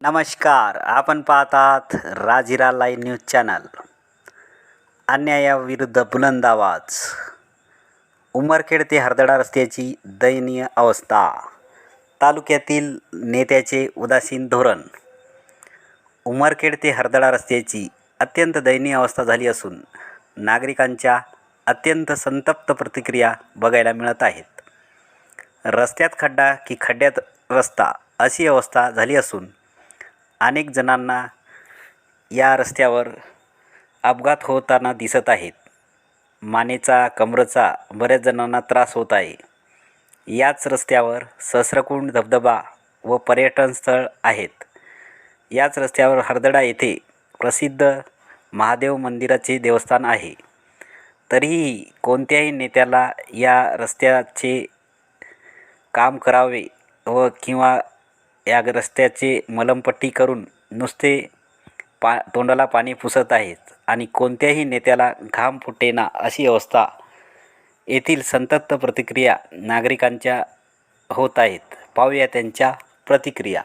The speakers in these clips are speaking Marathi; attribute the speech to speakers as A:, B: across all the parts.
A: नमस्कार, आपण पाहतात राजिरा लाईव्ह न्यूज चॅनल. अन्यायाविरुद्ध बुलंद आवाज. उमरखेड ते हरदडा रस्त्याची दयनीय अवस्था. तालुक्यातील नेत्याचे उदासीन धोरण. उमरखेड ते हरदडा रस्त्याची अत्यंत दयनीय अवस्था झाली असून नागरिकांच्या अत्यंत संतप्त प्रतिक्रिया बघायला मिळत आहेत. रस्त्यात खड्डा की खड्ड्यात रस्ता अशी अवस्था झाली असून अनेक जणांना या रस्त्यावर अपघात होताना दिसत आहेत. मानेचा, कमरेचा बऱ्याच जणांना त्रास होत आहे. याच रस्त्यावर सहस्रकुंड धबधबा व पर्यटन स्थळ आहेत. याच रस्त्यावर हरदडा येथे प्रसिद्ध महादेव मंदिराचे देवस्थान आहे. तरीही कोणत्याही नेत्याला या रस्त्याचे काम करावे व किंवा या रस्त्याचे मलमपट्टी करून नुसते तोंडाला पाणी पुसत आहेत आणि कोणत्याही नेत्याला घाम फुटेना अशी अवस्था येथील संतप्त प्रतिक्रिया नागरिकांच्या होत आहेत. पाहूया त्यांच्या प्रतिक्रिया.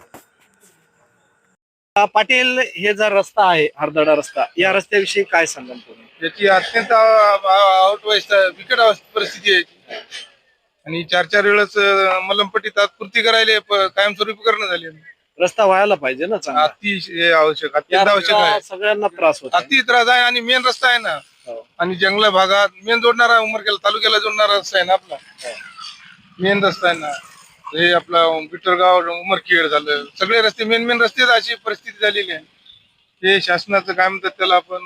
B: पाटील, हे जो रस्ता आहे हरदडा रस्ता, या रस्त्याविषयी काय सांगाल तुम्ही?
C: याची अत्यंत बिकट परिस्थिती आहे आणि 4-4 वेळेस मलमपट्टी तात्पुरती करायला कायमस्वरूपी करणं झाली.
B: रस्ता व्हायला पाहिजे ना चांगला.
C: अतिशय आवश्यक, अत्यंत
B: या
C: आवश्यक
B: रस्ता
C: आहे.
B: सगळ्यांना त्रास होतो.
C: अति त्रास आहे आणि मेन रस्ता आहे ना, आणि जंगल भागात मेन जोडणारा उमरखेड तालुक्याला जोडणारा रस्ता आहे ना आपला. मेन रस्ता आहे ना हे आपला बिटरगाव उमरखेड झालं, सगळे रस्ते मेन रस्ते अशी परिस्थिती झालेली आहे. हे शासनाचं काय म्हणतात त्याला आपण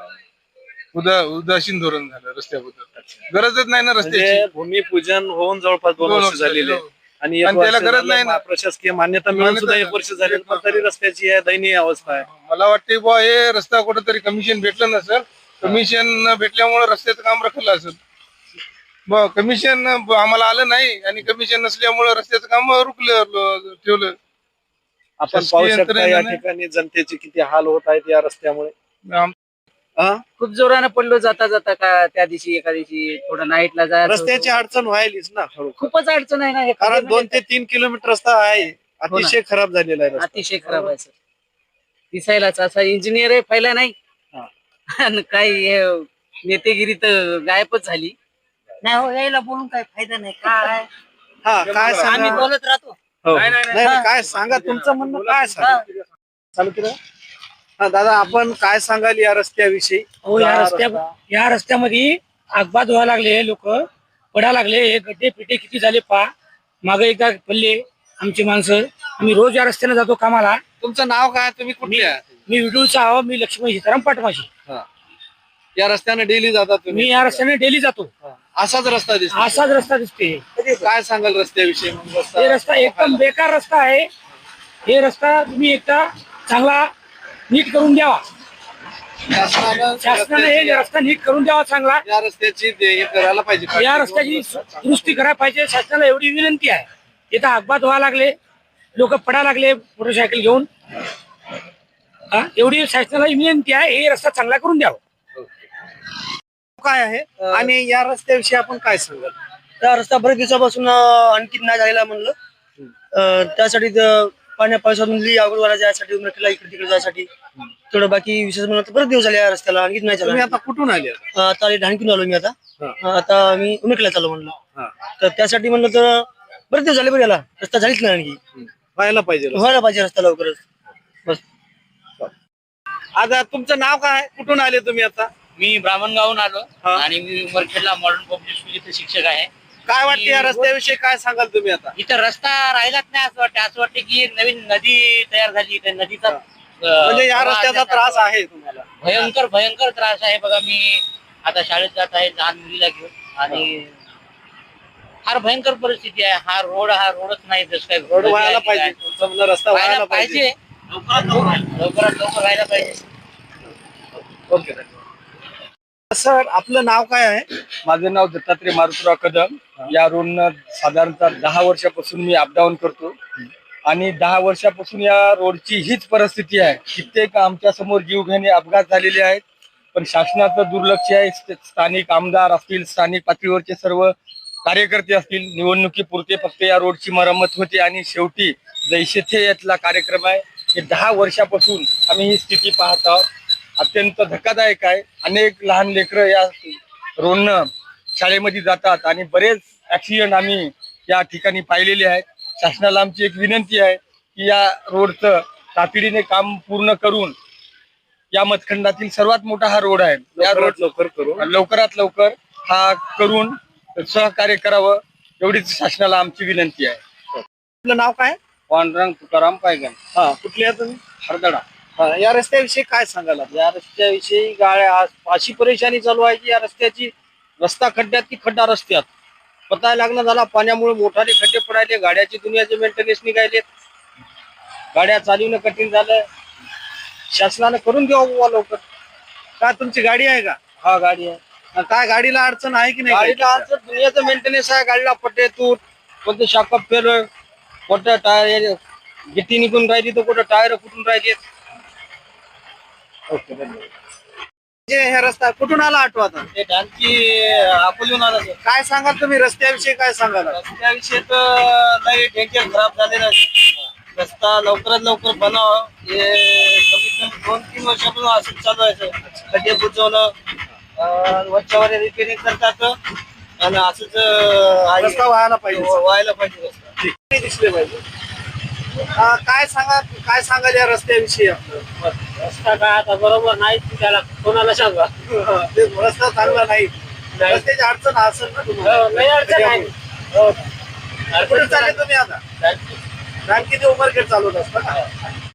C: उदासीन धोरण झालं रस्त्याबद्दल. गरजच नाही ना रस्त्याची.
B: भूमिपूजन होऊन जवळपास 2 वर्ष झालेले आणि
C: त्याला गरज नाही ना.
B: प्रशासकीय मान्यता मिळून सुद्धा 1 वर्ष झाले, पण तरी रस्त्याची दयनीय अवस्था आहे.
C: मला वाटते बुवा हे रस्ता कुठेतरी कमिशन भेटलं नसेल. कमिशन भेटल्यामुळे रस्त्याचं काम रखलं असेल. कमिशन आम्हाला आलं नाही आणि कमिशन नसल्यामुळे रस्त्याचं काम रुकलं ठेवलं.
B: आपण पाहू शकता या ठिकाणी जनतेचे किती हाल होत आहेत या रस्त्यामुळे.
D: खूप जोरानं पडलो जाता जाता का त्या दिवशी एका दिवशी थोडं नाईटला जायचं
B: रस्त्याची अडचण व्हायलीच ना.
D: खूपच अडचण आहे ना हे.
B: कारण 2 ते 3 किलोमीटर रस्ता आहे, अतिशय खराब झालेला आहे रस्ता.
D: अतिशय खराब आहे सर. दिसायलाच असा इंजिनियर आहे पहिला नाही आणि काही नेतेगिरी तर गायबच झाली नाही. हो, यायला बोलून काय फायदा नाही. काय
B: काय
D: आम्ही
B: सांगा
D: बोलत राहतो.
B: नाही, काय सांगा, तुमचं म्हणणं काय सांगा. चालू केलं. दादा, आपण काय सांगाल या रस्त्याविषयी?
E: हो, या रस्त्यामध्ये अपघात व्हायला लागले, लोक पडा लागले. हे गड्डे पिटे किती झाले पहा. मागे एकदा पडले आमची माणसं. आम्ही रोज या रस्त्याने जातो कामाला.
B: तुमचं नाव काय? तुम्ही कुठले?
E: मी विडूळचा आहो. मी लक्ष्मी सीताराम पाटमाशी.
B: या रस्त्याने डेली जातात तुम्ही?
E: मी या रस्त्याने डेली जातो.
B: असाच रस्ता दिसतो?
E: असाच रस्ता दिसते.
B: काय सांगाल रस्त्याविषयी?
E: हे रस्ता एकदम बेकार रस्ता आहे. हे रस्ता तुम्ही एकदा चांगला नीट करून द्यावा. शासनाने हे रस्ता नीट करून द्यावा चांगला.
B: या रस्त्याची हे करायला पाहिजे.
E: या रस्त्याची दुरुस्ती करायला पाहिजे. शासनाला एवढी विनंती आहे. इथं अपघात व्हायला लागले, लोक पडा लागले मोटरसायकल घेऊन. एवढी शासनाला विनंती आहे, हे रस्ता चांगला करून द्यावा.
B: काय आहे आणि या रस्त्याविषयी आपण काय सांगाल?
F: त्या रस्ता बरेच दिवसापासून आणखी नाही झालेला म्हणलं. त्यासाठी पाण्या पावसामधली आवड वाला जायसाठी उमरखेडला इकडे तिकडे जायसाठी थोडं बाकी विशेष म्हणलं तर बरेच दिवस झाले या रस्त्याला. आणखी नाही
B: तुम्ही
F: झाला.
B: आता कुठून आले?
F: आता ढाणकीन आलो मी. आता मी उमरखेडला चालू म्हणलं. तर त्यासाठी म्हणलं तर बरेच दिवस झाले. बरं याला रस्ता झालीच नाही. आणखी
B: व्हायला पाहिजे.
F: व्हायला पाहिजे रस्ता लवकरच. बस.
B: आता तुमचं नाव काय? कुठून आले तुम्ही आता?
G: मी ब्राह्मणगावून आलो आणि मी उमरखेडला मॉडर्न पब्लिक स्कूलचे शिक्षक आहे.
B: काय वाटते या रस्त्याविषयी? काय सांगाल तुम्ही आता?
G: इथं रस्ता राहिलाच नाही असं वाटतं. असं वाटतं की एक नवीन नदी तयार झाली. त्या नदीचा
B: म्हणजे या रस्त्याचा त्रास आहे तुम्हाला?
G: भयंकर त्रास आहे. बघा, मी आता शाळेत जात आहे लहान मुलीला घेऊन आणि फार भयंकर परिस्थिती आहे. हा रोडच नाही. जसं काय
B: रोड व्हायला पाहिजे. तुमचं म्हणणं रस्ता व्हायला पाहिजे.
G: लवकरात लवकर व्हायला पाहिजे.
B: ओके सर, आपलं नाव काय आहे?
H: माझं नाव दत्तात्रय मारुतराव कदम. या रोडनं साधारणतः 10 वर्षापासून मी अपडाऊन करतो आणि 10 वर्षापासून या रोडची हीच परिस्थिती आहे. कित्येक आमच्या समोर जीवघेणे अपघात झालेले आहेत, पण शासनाचं दुर्लक्ष आहे. स्थानिक आमदार असतील, स्थानिक पातळीवरचे सर्व कार्यकर्ते असतील, निवडणुकीपुरते फक्त या रोडची मरम्मत होते आणि शेवटी जैसे थे यातला कार्यक्रम आहे. हे 10 वर्षापासून आम्ही ही स्थिती पाहत आहोत. अत्यंत धक्कादायक आहे. अनेक लहान लेकरं या रोडनं शाळेमध्ये जातात आणि बरेच ऍक्सिडेंट आम्ही या ठिकाणी पाहिलेले आहेत. शासनाला आमची एक विनंती आहे की या रोडचं तातडीने काम पूर्ण करून, या मतखंडातील सर्वात मोठा हा रोड आहे, या रोड
B: लवकर करू.
H: लवकरात लवकर हा करून सहकार्य करावं एवढीच शासनाला आमची विनंती आहे.
B: आपलं नाव काय?
H: पांडुरंग तुकाराम पायगन,
B: हा, कुठले आहे तुम्ही?
H: हरदडा.
B: हा, या रस्त्याविषयी काय सांगाल आपण?
F: या रस्त्याविषयी गाड्या अशी परेशानी चालू आहे की या रस्त्याची रस्ता खड्ड्यात की खड्डा रस्त्यात पताय लागणं झाला. पाण्यामुळे मोठाले खड्डे पडायले, गाड्याची दुनियाचे मेंटेनन्स निघायले, गाड्या चालवणं कठीण झालं. शासनानं करून द्यावं बुवा लवकर.
B: का तुमची गाडी आहे का?
F: हा गाडी आहे.
B: काय गाडीला अडचण आहे की नाही?
F: गाडीला आमचं दुनियाचं मेंटेनन्स आहे. गाडीला पट्टे तूट, कोणते शाकअप फेल, कोणतं टायर गिट्टी निघून राहिली तर कुठं टायर फुटून राहिली.
B: ओके, धन्यवाद. जे हे रस्ता कुठून आला ऑटो आता?
F: ते डान्सची अकोल्याहून आला सर.
B: काय सांगाल तुम्ही रस्त्याविषयी? काय सांगाल?
F: रस्त्याविषयी तर लई डेंजर खराब झालेला आहे. रस्ता लवकरात लवकर बनावं. हे कमीत कमी 2-3 वर्षापासून असंच चालू आहे सर. खड्डे बुजवणं, वरच्यावर रिपेअरिंग करतात आणि असंच
B: रस्ता व्हायला पाहिजे.
F: व्हायला पाहिजे रस्ता.
B: ठीक दिसले पाहिजे. काय सांगाल या रस्त्याविषयी आपलं?
F: रस्ता काय आता बरोबर नाही, त्याला कोणाला सांगा.
B: ते रस्ता चांगला नाही, रस्त्याची अडचण असेल ना तुम्हाला?
F: लई अडचण आहे.
B: कुठे चालले तुम्ही आता?
F: हो.
B: किती उमरखेड चालवत असता?